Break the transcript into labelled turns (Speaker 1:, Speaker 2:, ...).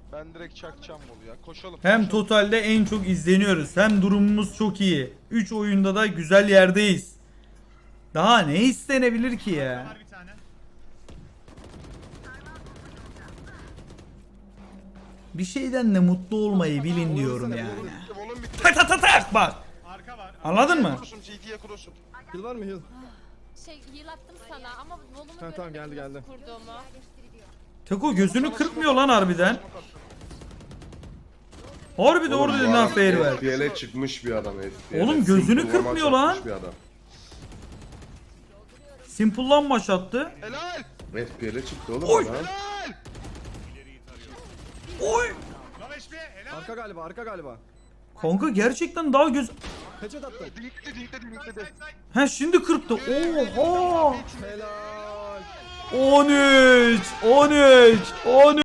Speaker 1: Ben direkt çakacağım bolu ya. Koşalım.
Speaker 2: Hem
Speaker 1: koşalım.
Speaker 2: totalde en çok izleniyoruz. Hem durumumuz çok iyi. 3 oyunda da güzel yerdeyiz. Daha ne istenebilir ki ya?
Speaker 3: Var bir tane.
Speaker 2: Bir şeyden de mutlu olmayı bilin diyorum yani.
Speaker 1: Volum bitti.
Speaker 2: Tak tak tak tak bak.
Speaker 3: Arka var.
Speaker 2: Anladın mı?
Speaker 1: Cross'um, CT'ye cross'um.
Speaker 4: Heal var mı heal?
Speaker 5: Şey heal attım sana ama volumu
Speaker 4: Ha, tamam,
Speaker 5: göremedim
Speaker 4: geldi,
Speaker 5: nasıl
Speaker 4: geldi.
Speaker 5: kurduğumu.
Speaker 2: Teko gözünü kırpmıyor lan harbiden. Harbiden orada
Speaker 6: Oğlum,
Speaker 2: ne fair ver.
Speaker 6: FPL'e çıkmış bir adam FPL'e.
Speaker 2: Oğlum, gözünü
Speaker 6: Simple
Speaker 2: kırpmıyor
Speaker 6: maç
Speaker 2: lan.
Speaker 6: atmış bir adam.
Speaker 2: Simple'lan maç attı.
Speaker 1: Helal.
Speaker 6: FPL'e çıktı oğlum
Speaker 2: Oy.
Speaker 6: adam.
Speaker 1: Helal.
Speaker 2: Oy.
Speaker 3: Low HP. Helal.
Speaker 4: Arka galiba, arka galiba.
Speaker 2: Kanka gerçekten daha göz...
Speaker 4: Headshot attı.
Speaker 1: Dinkledi.
Speaker 2: Ha şimdi kırptı. Oha.
Speaker 4: Helal.
Speaker 2: 13.